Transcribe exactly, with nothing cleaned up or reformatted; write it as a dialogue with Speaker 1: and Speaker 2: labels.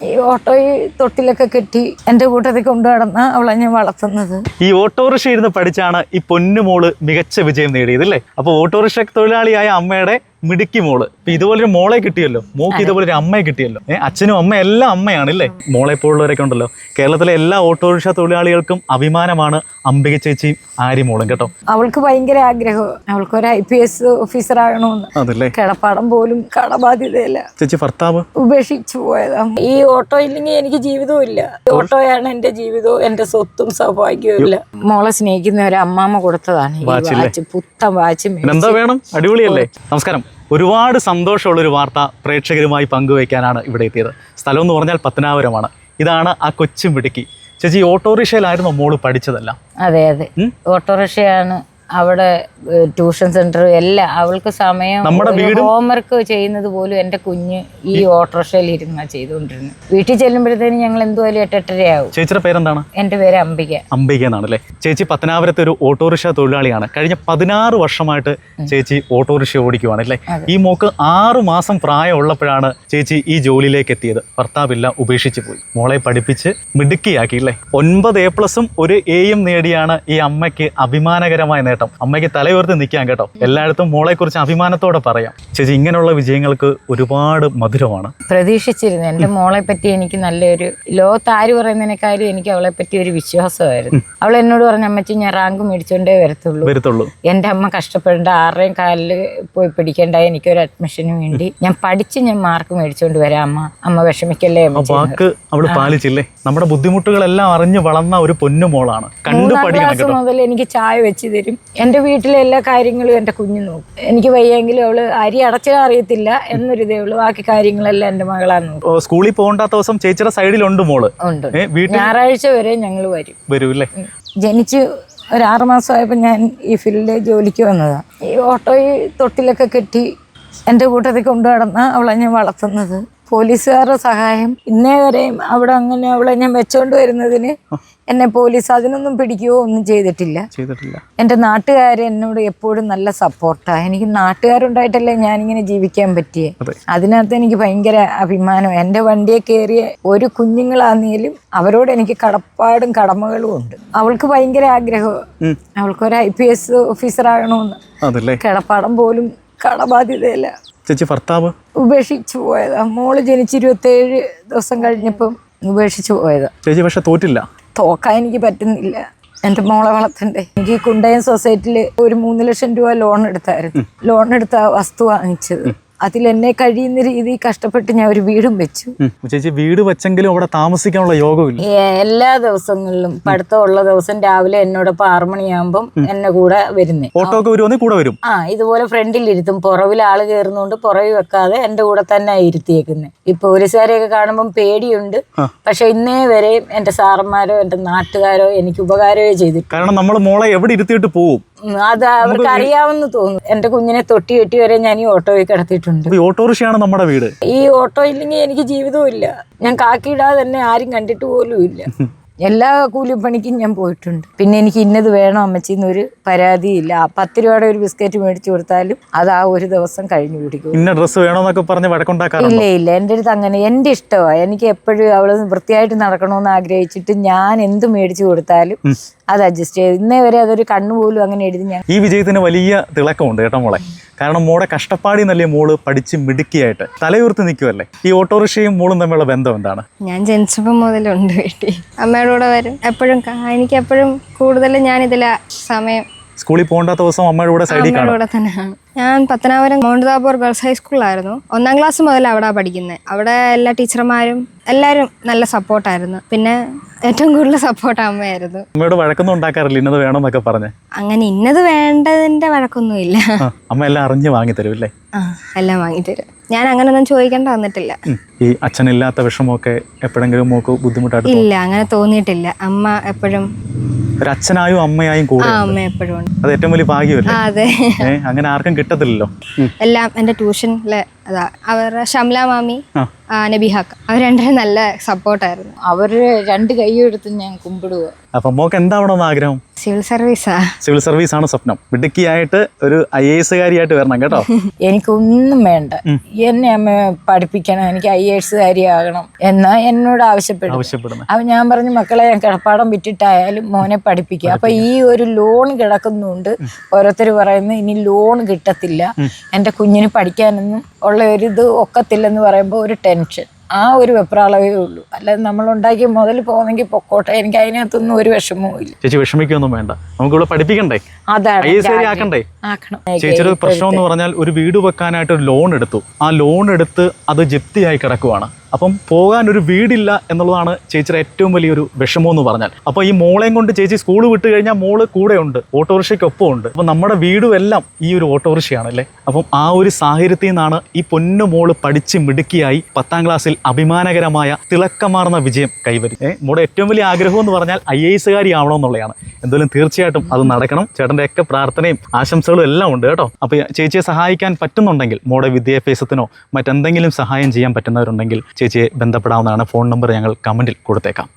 Speaker 1: ഈ ഓട്ടോയിൽ തൊട്ടിലൊക്കെ കെട്ടി എൻ്റെ കൂട്ടത്തിൽ കൊണ്ടു നടന്ന അവളെ ഞാൻ വളർത്തുന്നത്.
Speaker 2: ഈ ഓട്ടോറിക്ഷ ഇരുന്ന് പഠിച്ചാണ് ഈ പൊന്നുമോള് മികച്ച വിജയം നേടിയത് അല്ലേ? അപ്പോൾ ഓട്ടോറിക്ഷ തൊഴിലാളിയായ അമ്മയുടെ മിടുക്കി മോള് ഇപ്പൊ ഇതുപോലൊരു മോളെ കിട്ടിയല്ലോ, മോക്ക് ഇതുപോലൊരു അമ്മയെ കിട്ടിയല്ലോ. ഏഹ് അച്ഛനും അമ്മ എല്ലാം അമ്മയാണ് അല്ലേ? മോളെ പോലുള്ളവരൊക്കെ ഉണ്ടല്ലോ. കേരളത്തിലെ എല്ലാ ഓട്ടോറിക്ഷ തൊഴിലാളികൾക്കും അഭിമാനമാണ് അംബിക ചേച്ചിയും ആര്യ മോളും കേട്ടോ.
Speaker 1: അവൾക്ക് ഭയങ്കര ആഗ്രഹം, അവൾക്കൊരു ഐ പി എസ് ഓഫീസർ ആകണമെന്ന്.
Speaker 2: അതല്ലേ?
Speaker 1: കിടപ്പാടം പോലും കടബാധ്യതയില്ല.
Speaker 2: ചേച്ചി ഭർത്താവ്
Speaker 1: ഉപേക്ഷിച്ചു പോയതാ. ഈ ഓട്ടോ ഇല്ലെങ്കിൽ എനിക്ക് ജീവിതവും ഇല്ല. ഓട്ടോയാണ് എന്റെ ജീവിതവും എന്റെ സ്വത്തും സൗഭാഗ്യവും ഇല്ല. മോളെ സ്നേഹിക്കുന്ന ഒരു അമ്മാമ്മ കൊടുത്തതാണ് ഈ വാച്ച്, പുത്തൻ വാച്ച്.
Speaker 2: എന്താ വേണം? അടിപൊളിയല്ലേ? നമസ്കാരം. ഒരുപാട് സന്തോഷമുള്ളൊരു വാർത്ത പ്രേക്ഷകരുമായി പങ്കുവയ്ക്കാനാണ് ഇവിടെ എത്തിയത്. സ്ഥലം എന്ന് പറഞ്ഞാൽ പത്തനാപുരമാണ്. ഇതാണ് ആ കൊച്ചു മിടുക്കി ചേച്ചി. ഓട്ടോറിക്ഷയിലായിരുന്നു മോള് പഠിച്ചതല്ല?
Speaker 1: അതെ അതെ, ഓട്ടോറിക്ഷയാണ്. അവിടെ ട്യൂഷൻ സെന്റർ എല്ലാം അവൾക്ക് സമയം.
Speaker 2: നമ്മുടെ വീട്
Speaker 1: ഹോംവർക്ക് ചെയ്യുന്നത് പോലും എൻ്റെ കുഞ്ഞ് ഈ ഓട്ടോറിക്ഷയിൽ ഇരുന്നാ ചെയ്തുകൊണ്ടിരുന്നത്. വീട്ടിൽ ചെല്ലുമ്പോഴത്തേനും ഞങ്ങൾ എന്തുവായാലും എട്ടെട്ടരയാവും.
Speaker 2: ചേച്ചിയുടെ പേരെന്താണ്?
Speaker 1: എൻ്റെ പേര് അംബിക.
Speaker 2: അംബിക എന്നാണല്ലേ? ചേച്ചി പത്തനാപുരത്തെ ഒരു ഓട്ടോറിക്ഷ തൊഴിലാളിയാണ്. കഴിഞ്ഞ പതിനാറ് വർഷമായിട്ട് ചേച്ചി ഓട്ടോറിക്ഷ ഓടിക്കുവാണ് അല്ലേ? ഈ മോക്ക് ആറു മാസം പ്രായമുള്ളപ്പോഴാണ് ചേച്ചി ഈ ജോലിയിലേക്ക് എത്തിയത്. ഭർത്താവില്ല, ഉപേക്ഷിച്ച് പോയി. മോളെ പഠിപ്പിച്ച് മിടുക്കിയാക്കി അല്ലേ? ഒൻപത് എ പ്ലസും ഒരു എയും നേടിയാണ് ഈ അമ്മയ്ക്ക് അഭിമാനകരമായ നേട്ടം. അമ്മയ്ക്ക് തലയുയർത്തി നിൽക്കാൻ കേട്ടോ. എല്ലായിടത്തും മോളെ കുറിച്ച് അഭിമാനത്തോടെ പറയാം. ചേച്ചി ഇങ്ങനെയുള്ള വിജയങ്ങൾക്ക് ഒരുപാട് മധുരമാണ്.
Speaker 1: പ്രതീക്ഷിച്ചിരുന്നു എൻ്റെ മോളെ പറ്റി എനിക്ക് നല്ലൊരു, ലോകത്ത് ആര് പറയുന്നതിനേക്കാളും എനിക്ക് അവളെ പറ്റി ഒരു വിശ്വാസമായിരുന്നു. അവൾ എന്നോട് പറഞ്ഞ അമ്മച്ചി ഞാൻ റാങ്ക് മേടിച്ചോണ്ടേ വരത്തുള്ളൂ വരത്തുള്ളൂ എൻ്റെ അമ്മ കഷ്ടപ്പെടേണ്ട, ആരുടെയും കാലിൽ പോയി പിടിക്കേണ്ട, എനിക്കൊരു അഡ്മിഷന് വേണ്ടി ഞാൻ പഠിച്ച് ഞാൻ മാർക്ക് മേടിച്ചോണ്ട് വരാം അമ്മ, അമ്മ വിഷമിക്കല്ലേ.
Speaker 2: വാക്ക് അവള് പാലിച്ചില്ലേ? നമ്മുടെ ബുദ്ധിമുട്ടുകളെല്ലാം അറിഞ്ഞു വളർന്ന ഒരു പൊന്നുമോളാണ്. കണ്ടു പഠിക്കണം
Speaker 1: മുതൽ എനിക്ക് ചായ വെച്ച് തരും. എൻ്റെ വീട്ടിലെ എല്ലാ കാര്യങ്ങളും എൻ്റെ കുഞ്ഞു നോക്കും. എനിക്ക് വയ്യെങ്കിലും അവള് അരി അടച്ചാൽ അറിയത്തില്ല എന്നൊരു ഇതേ ഉള്ളൂ, ബാക്കി കാര്യങ്ങളെല്ലാം എൻ്റെ മകളാണ് നോക്കും.
Speaker 2: സ്കൂളിൽ പോകണ്ടാത്ത ദിവസം ചേച്ചിയുടെ സൈഡിലുണ്ട് മോള്.
Speaker 1: ഉണ്ട്. ഞായറാഴ്ച വരെ ഞങ്ങൾ വരും വരും
Speaker 2: അല്ലേ?
Speaker 1: ജനിച്ച് ഒരു ആറ് മാസമായപ്പോൾ ഞാൻ ഈ ഫീൽഡിൽ ജോലിക്ക് വന്നതാണ്. ഈ ഓട്ടോയിൽ തൊട്ടിലൊക്കെ കെട്ടി എൻ്റെ കൂട്ടത്തിൽ കൊണ്ടു നടന്ന അവളെ ഞാൻ വളർത്തുന്നത്. പോലീസുകാരുടെ സഹായം ഇന്നേ വരെയും അവിടെ അങ്ങനെ അവളെ ഞാൻ വെച്ചോണ്ട് വരുന്നതിന് എന്നെ പോലീസ് അതിനൊന്നും പിടിക്കുകയോ ഒന്നും ചെയ്തിട്ടില്ല ചെയ്തിട്ടില്ല എൻ്റെ നാട്ടുകാർ എന്നോട് എപ്പോഴും നല്ല സപ്പോർട്ടാണ്. എനിക്ക് നാട്ടുകാരുണ്ടായിട്ടല്ലേ ഞാനിങ്ങനെ ജീവിക്കാൻ പറ്റിയേ. അതിനകത്ത് എനിക്ക് ഭയങ്കര അഭിമാനം. എൻ്റെ വണ്ടിയെ കയറിയ ഒരു കുഞ്ഞുങ്ങളാന്നേലും അവരോട് എനിക്ക് കടപ്പാടും കടമകളും ഉണ്ട്. അവൾക്ക് ഭയങ്കര ആഗ്രഹം, അവൾക്കൊരു ഐ പി എസ് ഓഫീസർ ആകണമെന്ന്. കിടപ്പാടം പോലും കടബാധ്യതയില്ല.
Speaker 2: ചേച്ചി ഭർത്താവ്
Speaker 1: ഉപേക്ഷിച്ചു പോയതാ. മോള് ജനിച്ച് ഇരുപത്തേഴ് ദിവസം കഴിഞ്ഞപ്പം ഉപേക്ഷിച്ചു പോയതാ.
Speaker 2: ചേച്ചി പക്ഷെ തോറ്റില്ല.
Speaker 1: തോക്കാൻ എനിക്ക് പറ്റുന്നില്ല. എൻ്റെ മോളെ വളർത്തണ്ടേ. എനിക്ക് കുണ്ടയം സൊസൈറ്റിയിൽ ഒരു മൂന്ന് ലക്ഷം രൂപ ലോൺ എടുത്തായിരുന്നു. ലോൺ എടുത്ത വസ്തു വാങ്ങിച്ചത്. അതിൽ എന്നെ കഴിയുന്ന രീതിയിൽ കഷ്ടപ്പെട്ട് ഞാൻ ഒരു വീടും വെച്ചു.
Speaker 2: ചേച്ചി വീട് വെച്ചെങ്കിലും അവിടെ താമസിക്കാനുള്ള യോഗമില്ല.
Speaker 1: എല്ലാ ദിവസങ്ങളിലും പഠിത്തമുള്ള ദിവസം രാവിലെ എന്നോടൊപ്പം ആറു മണിയാകുമ്പം എന്നെ കൂടെ വരുന്നേ.
Speaker 2: ഓട്ടോക്ക് വരുവാണെങ്കിൽ കൂടെ വരും.
Speaker 1: ആ ഇതുപോലെ ഫ്രണ്ടിൽ ഇരുത്തും. പുറവിൽ ആള് കയറുന്നോണ്ട് പുറവിൽ വെക്കാതെ എന്റെ കൂടെ തന്നെ ഇരുത്തിയേക്കുന്നത്. ഈ പോലീസുകാരെയൊക്കെ കാണുമ്പം പേടിയുണ്ട്. പക്ഷെ ഇന്നേ വരെയും എന്റെ സാറന്മാരോ എന്റെ നാട്ടുകാരോ എനിക്ക് ഉപകാരമേ ചെയ്തിട്ട്.
Speaker 2: കാരണം നമ്മൾ മോളെ എവിടെ ഇരുത്തിയിട്ട് പോവും
Speaker 1: അത് അവർക്ക് അറിയാമെന്ന് തോന്നുന്നു. എന്റെ കുഞ്ഞിനെ തൊട്ടി കെട്ടി വരെ ഞാൻ ഈ ഓട്ടോയിൽ കിടത്തിയിട്ടുണ്ട്.
Speaker 2: ഓട്ടോറിക്ഷയാണ് നമ്മുടെ വീട്.
Speaker 1: ഈ ഓട്ടോ ഇല്ലെങ്കിൽ എനിക്ക് ജീവിതവും ഇല്ല. ഞാൻ കാക്കിയിടാതെ തന്നെ ആരും കണ്ടിട്ട് പോലും ഇല്ല. എല്ലാ കൂലിപ്പണിക്കും ഞാൻ പോയിട്ടുണ്ട്. പിന്നെ എനിക്ക് ഇന്നത് വേണം അമ്മച്ചിന്നൊരു പരാതിയില്ല. ആ പത്ത് രൂപയുടെ ഒരു ബിസ്ക്കറ്റ് മേടിച്ചു കൊടുത്താലും അത് ആ ഒരു ദിവസം കഴിഞ്ഞു പിടിക്കും.
Speaker 2: ഇന്ന ഡ്രസ്സ് വേണമെന്നൊക്കെ പറഞ്ഞ് വഴക്കുണ്ടാക്കാറുണ്ടോ?
Speaker 1: ഇല്ല ഇല്ല, എൻ്റെ അടുത്ത് അങ്ങനെ എൻ്റെ ഇഷ്ടമാണ്. എനിക്ക് എപ്പോഴും അവള് വൃത്തിയായിട്ട് നടക്കണമെന്ന് ആഗ്രഹിച്ചിട്ട് ഞാൻ എന്ത് മേടിച്ചു കൊടുത്താലും അത് അഡ്ജസ്റ്റ് ചെയ്ത് ഇന്നേ വരെ അതൊരു കണ്ണുപോലും അങ്ങനെ എഴുതി. ഞാൻ
Speaker 2: ഈ വിജയത്തിന് വലിയ തിളക്കമുണ്ട് കേട്ടോ മോളെ. കാരണം മോളെ കഷ്ടപ്പാടി നല്ല മോള് പഠിച്ച് മിടുക്കിയായിട്ട് തലയുയർത്തി നിൽക്കുമല്ലേ. ഈ ഓട്ടോറിക്ഷയും മോളും തമ്മിലുള്ള ബന്ധം എന്താണ്?
Speaker 3: ഞാൻ ജനിച്ചപ്പോൾ മുതലുണ്ട് വീട്ടിൽ. അമ്മയുടെ കൂടെ വരും എപ്പോഴും. എനിക്ക് എപ്പോഴും കൂടുതലും ഞാൻ ഇതിലാ സമയം.
Speaker 2: സ്കൂളിൽ പോകണ്ടാത്ത ദിവസം അമ്മയുടെ കൂടെ സൈഡിൽ
Speaker 3: കൂടെ തന്നെയാണ്. ഞാൻ പത്തനാപുരം മൗണ്ട് താബോർ ഗേൾസ് ഹൈസ്കൂളിലായിരുന്നു. ഒന്നാം ക്ലാസ് മുതൽ അവിടെ പഠിക്കുന്നത്. അവിടെ എല്ലാ ടീച്ചർമാരും എല്ലാവരും നല്ല സപ്പോർട്ടായിരുന്നു. പിന്നെ ഏറ്റവും കൂടുതൽ സപ്പോർട്ട് അമ്മയായിരുന്നു.
Speaker 2: അമ്മയോട് വഴക്കൊന്നും ഉണ്ടാക്കാറില്ല ഇന്നത് വേണമെന്നൊക്കെ പറഞ്ഞ്?
Speaker 3: അങ്ങനെ ഇന്നത് വേണ്ടതിന്റെ വഴക്കൊന്നും ഇല്ല.
Speaker 2: അമ്മ എല്ലാം അറിഞ്ഞ് വാങ്ങി തരും അല്ലേ?
Speaker 3: ആ എല്ലാം വാങ്ങി തരും. ഞാൻ അങ്ങനൊന്നും ചോദിക്കേണ്ട വന്നിട്ടില്ല.
Speaker 2: ഈ അച്ഛനില്ലാത്ത വിഷമമൊക്കെ എപ്പോഴെങ്കിലും മോക്ക് ബുദ്ധിമുട്ടായിട്ട്?
Speaker 3: ഇല്ല, അങ്ങനെ തോന്നിയിട്ടില്ല. അമ്മ എപ്പോഴും
Speaker 2: ഒരു അച്ഛനായും അമ്മയായും കൂടെ.
Speaker 3: അമ്മ എപ്പോഴും ഉണ്ട്.
Speaker 2: അത് ഏറ്റവും വലിയ ഭാഗ്യമല്ലേ?
Speaker 3: അതെ,
Speaker 2: അങ്ങനെ ആർക്കും കിട്ടത്തില്ലല്ലോ.
Speaker 3: എല്ലാം എൻ്റെ ട്യൂഷനിലെ അതാ അവരുടെ ഷംല മാമി,
Speaker 2: ആ.
Speaker 3: ആ, നബിഹാക്ക, അവർ രണ്ടുപേരും നല്ല സപ്പോർട്ടായിരുന്നു.
Speaker 1: അവർ രണ്ട് കൈ എടുത്ത് ഞാൻ കുമ്പിടുക.
Speaker 2: അപ്പം മോക്ക് എന്താവണമെന്ന് ആഗ്രഹം?
Speaker 3: സിവിൽ സർവീസാ.
Speaker 2: സിവിൽ സർവീസ് ആണ് സ്വപ്നം. മിടുക്കിയായിട്ട് ഒരു ഐ എ എസുകാരിയായിട്ട് വരണം കേട്ടോ.
Speaker 1: എനിക്കൊന്നും വേണ്ട, എന്നെ അമ്മ പഠിപ്പിക്കണം, എനിക്ക് ഐ എ എസുകാരിയാകണം എന്നാ എന്നോട് ആവശ്യപ്പെടും.
Speaker 2: ആവശ്യപ്പെടുന്നത്
Speaker 1: അപ്പൊ ഞാൻ പറഞ്ഞു, മക്കളെ ഞാൻ കിടപ്പാടം വിറ്റിട്ടായാലും മോനെ പഠിപ്പിക്കുക. അപ്പൊ ഈ ഒരു ലോൺ കിടക്കുന്നുണ്ട്. ഓരോരുത്തർ പറയുന്നു ഇനി ലോൺ കിട്ടത്തില്ല, എൻ്റെ കുഞ്ഞിന് പഠിക്കാനൊന്നും ഉള്ള ഒരു ഇത് ഒക്കത്തില്ലെന്ന് പറയുമ്പോൾ ഒരു ടെൻഷൻ, ആ ഒരു വെപ്രാളവേ ഉള്ളൂ. അല്ലാതെ നമ്മൾ ഉണ്ടാക്കിയ മുതൽ പോകുന്നെങ്കിൽ പൊക്കോട്ടെ, എനിക്ക് അതിനകത്തൊന്നും ഒരു വിഷമവും ഇല്ല.
Speaker 2: ചേച്ചി വിഷമിക്കൊന്നും വേണ്ട, നമുക്കിവിടെ പഠിപ്പിക്കണ്ടേ,
Speaker 1: അതാണ്
Speaker 2: ഐ എസ് ആക്കണ്ടേ.
Speaker 1: ആക്കണം.
Speaker 2: ചേച്ചിയുടെ പ്രശ്നം എന്ന് പറഞ്ഞാൽ ഒരു വീട് വെക്കാനായിട്ട് ഒരു ലോൺ എടുത്തു, ആ ലോൺ എടുത്ത് അത് ജപ്തിയായി കിടക്കുവാണ്. അപ്പം പോകാൻ ഒരു വീടില്ല എന്നുള്ളതാണ് ചേച്ചിയുടെ ഏറ്റവും വലിയൊരു വിഷമം എന്ന് പറഞ്ഞാൽ. അപ്പോൾ ഈ മോളെയും കൊണ്ട് ചേച്ചി സ്കൂൾ വിട്ട് കഴിഞ്ഞാൽ മോള് കൂടെ ഉണ്ട്, ഓട്ടോറിക്ഷയ്ക്കൊപ്പം ഉണ്ട്. അപ്പം നമ്മുടെ വീടും എല്ലാം ഈ ഒരു ഓട്ടോറിക്ഷയാണല്ലേ. അപ്പം ആ ഒരു സാഹചര്യത്തിൽ നിന്നാണ് ഈ പൊന്നു മോള് പഠിച്ച് മിടുക്കിയായി പത്താം ക്ലാസ്സിൽ അഭിമാനകരമായ തിളക്കമാർന്ന വിജയം കൈവരി. ഏഹ് മോളുടെ ഏറ്റവും വലിയ ആഗ്രഹം എന്ന് പറഞ്ഞാൽ ഐ എ എസുകാരി ആവണമെന്നുള്ളതാണ്. എന്തായാലും തീർച്ചയായിട്ടും അത് നടക്കണം. ചേട്ടൻ്റെ ഒക്കെ പ്രാർത്ഥനയും ആശംസകളും എല്ലാം ഉണ്ട് കേട്ടോ. അപ്പോൾ ചേച്ചിയെ സഹായിക്കാൻ പറ്റുന്നുണ്ടെങ്കിൽ, മോളുടെ വിദ്യാഭ്യാസത്തിനോ മറ്റെന്തെങ്കിലും സഹായം ചെയ്യാൻ പറ്റുന്നവരുണ്ടെങ്കിൽ ചേച്ചിയെ ബന്ധപ്പെടാവുന്നതാണ്. ഫോൺ നമ്പർ ഞങ്ങൾ കമൻറ്റിൽ കൊടുത്തേക്കാം.